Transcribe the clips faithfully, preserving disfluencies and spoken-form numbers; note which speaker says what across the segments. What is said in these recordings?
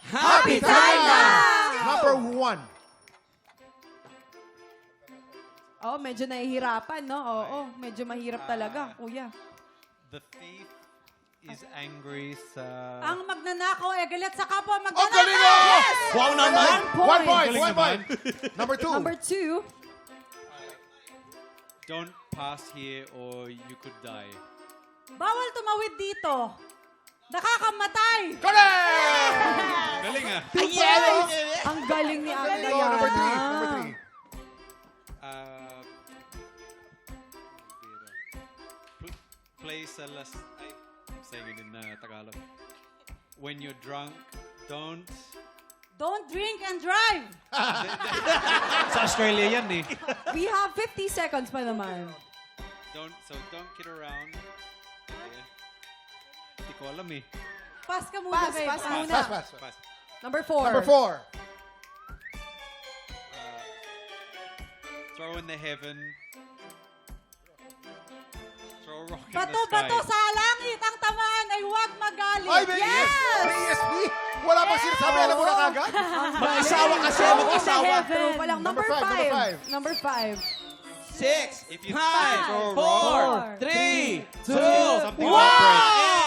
Speaker 1: Happy time na!
Speaker 2: Number one.
Speaker 3: Oh, medyo nahihirapan, no? Oo, medyo mahirap talaga, kuya.
Speaker 1: The thief is angry sa...
Speaker 4: Ang magnanakaw ay galit sa kapwa
Speaker 2: Ang
Speaker 4: magnanakaw.
Speaker 2: galing oh!
Speaker 3: Yes!
Speaker 1: Wow naman!
Speaker 3: One point.
Speaker 2: One point,
Speaker 1: Galing
Speaker 2: one
Speaker 1: naman.
Speaker 2: point. Number two.
Speaker 3: Number two.
Speaker 1: Don't pass here or you could die.
Speaker 4: Bawal tumawid dito. Nakakamatay.
Speaker 2: Correct!
Speaker 1: Galing ah!
Speaker 3: Ang galing ni Ang
Speaker 2: Oh, number three. Number three.
Speaker 1: Uh, pl- play sa las... Ay, I'm saying it in uh, Tagalog. When you're drunk, don't...
Speaker 4: Don't drink and drive.
Speaker 1: Sa Australia yan eh.
Speaker 3: We have fifty seconds pa naman.
Speaker 1: Don't, so don't kid around. Eh, Hindi ko alam eh.
Speaker 4: Pass ka muna,
Speaker 3: Pass,
Speaker 4: babe.
Speaker 3: pass
Speaker 4: Ah.
Speaker 3: muna.
Speaker 2: Pass, pass.
Speaker 1: Pass.
Speaker 3: Number four.
Speaker 2: Number four.
Speaker 1: Uh, throw in the heaven. Throw a rock in
Speaker 4: Bato,
Speaker 1: the sky.
Speaker 4: bato sa langit. Ang tamaan ay huwag magalit.
Speaker 2: Ay, may yes! May E S P! Wala bang sinasabi? Alam mo na kagad?
Speaker 5: Mag-asawa kasi,
Speaker 3: Throw in the
Speaker 5: mag-asawa.
Speaker 3: heaven. True pa lang. Number,
Speaker 2: Number five, number
Speaker 3: five.
Speaker 2: five.
Speaker 3: Number five.
Speaker 5: Six,
Speaker 1: If you
Speaker 5: five,
Speaker 1: throw a
Speaker 5: four,
Speaker 1: rock,
Speaker 5: three, two,
Speaker 1: something will break.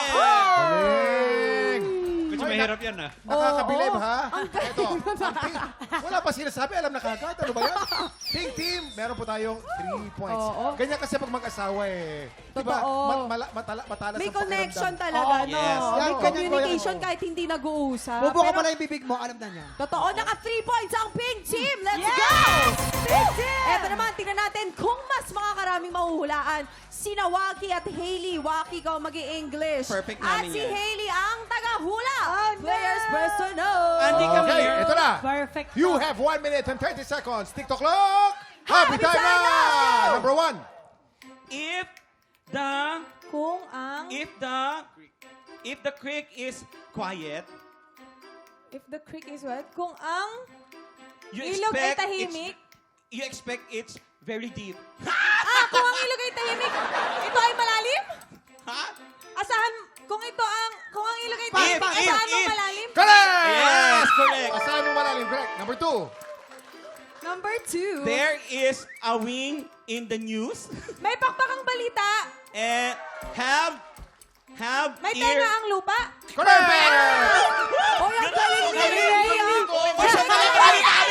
Speaker 2: Galing!
Speaker 1: Medyo
Speaker 2: Ay,
Speaker 1: mahirap yan ah.
Speaker 2: Nakakabilib,
Speaker 3: Oo.
Speaker 2: ha? Ito, ang pink. Wala pa sinasabi, alam na kagad. Ano ba yan? Pink team, meron po tayong three points.
Speaker 3: Oo.
Speaker 2: Ganyan kasi pag mag-asawa eh. Diba?
Speaker 3: Totoo.
Speaker 2: Mat, mala, matala, matalas
Speaker 3: May
Speaker 2: ang pakiramdam.
Speaker 3: connection talaga,
Speaker 5: Oh,
Speaker 3: no?
Speaker 5: yes.
Speaker 3: May
Speaker 2: Yan, ganyan ko
Speaker 3: communication
Speaker 2: yan.
Speaker 3: kahit hindi nag-uusap.
Speaker 6: Bubo ka
Speaker 3: Pero-
Speaker 6: pala yung bibig mo, alam na niya.
Speaker 3: Totoo, naka three points ang pink team. Let's
Speaker 4: Yes!
Speaker 3: go!
Speaker 4: Pink team!
Speaker 3: Eto naman, tingnan natin kung mas makakaraming mahuhulaan. Sina Waki at Hailey. Waki ka mag-i-English.
Speaker 5: Perfect
Speaker 3: At
Speaker 5: namin
Speaker 3: si
Speaker 5: yan.
Speaker 3: Hailey ang taga-hula.
Speaker 4: Oh,
Speaker 3: Players
Speaker 4: no!
Speaker 3: press to know.
Speaker 5: Andy, come
Speaker 2: Okay,
Speaker 5: here.
Speaker 2: ito na.
Speaker 4: Perfect.
Speaker 2: You have one minute and thirty seconds. TikTok clock. Happy,
Speaker 3: Happy
Speaker 2: time,
Speaker 3: time
Speaker 2: na!
Speaker 3: na!
Speaker 2: Number one.
Speaker 5: If the,
Speaker 3: Kung ang...
Speaker 5: if the, if the creek is quiet,
Speaker 3: If the creek is wet, kung ang...
Speaker 5: you
Speaker 3: Ilog ay
Speaker 5: expect
Speaker 3: tahimik?
Speaker 5: It's, you expect it's very deep.
Speaker 3: Ah, kung ang ilog ay tahimik, ito ay malalim?
Speaker 5: Ha?
Speaker 3: Asahan, kung ito ang... Kung ang ilog ay
Speaker 5: If,
Speaker 3: tahimik,
Speaker 5: if,
Speaker 3: asahan mo
Speaker 5: if.
Speaker 3: malalim?
Speaker 2: Correct!
Speaker 5: Yes, correct.
Speaker 2: Asahan mo malalim. Correct. Number two.
Speaker 3: Number two.
Speaker 5: There is a wing in the news
Speaker 3: May pakpakang balita.
Speaker 5: and have, have
Speaker 3: May
Speaker 5: ear.
Speaker 3: tenga ang lupa.
Speaker 2: Correct!
Speaker 3: O, yung galing ni Ray, ah.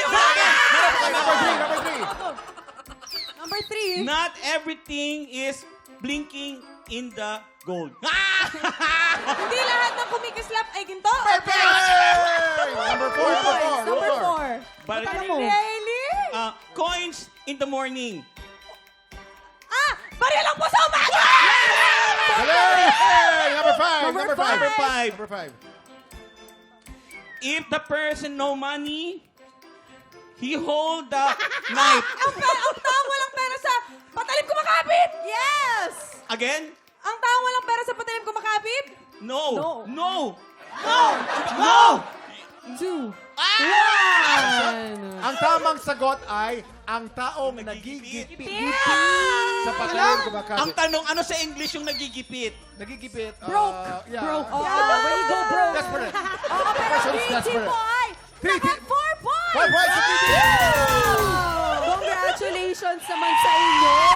Speaker 2: Number three. Number three.
Speaker 3: Number three.
Speaker 5: Not everything is blinking in the gold.
Speaker 3: Hindi lahat ng kumikislap ay ginto.
Speaker 2: Perfect! Number four. Number four.
Speaker 3: Number four.
Speaker 5: But,
Speaker 3: Tala mo. Really?
Speaker 5: uh, coins in the morning.
Speaker 3: Ah! Baril lang po sa umaga!
Speaker 2: Galing! Number five.
Speaker 3: Number
Speaker 2: Number five.
Speaker 5: Number five.
Speaker 2: Number five.
Speaker 5: If the person no money, he hold the knife.
Speaker 3: Ang, pe- ang taong walang pera sa patalim kumakapit! Yes!
Speaker 5: Again?
Speaker 3: Ang taong walang pera sa patalim kumakapit?
Speaker 5: No.
Speaker 3: No.
Speaker 5: No. No. No.
Speaker 3: Two.
Speaker 2: Ang tamang sagot ay ang taong
Speaker 5: Nagigipit.
Speaker 2: nagigipit sa patalim kumakapit.
Speaker 5: Ang tanong, ano sa English yung nagigipit?
Speaker 2: Nagigipit. uh,
Speaker 3: Broke.
Speaker 2: yeah.
Speaker 3: Broke. Oh, when you go broke.
Speaker 2: Desperate.
Speaker 3: Oo, pero
Speaker 2: Person's
Speaker 3: green team
Speaker 2: desperate.
Speaker 3: po ay
Speaker 2: Three
Speaker 3: naka
Speaker 2: team-
Speaker 3: four points!
Speaker 2: Four points sa green team.
Speaker 3: Congratulations naman sa inyo!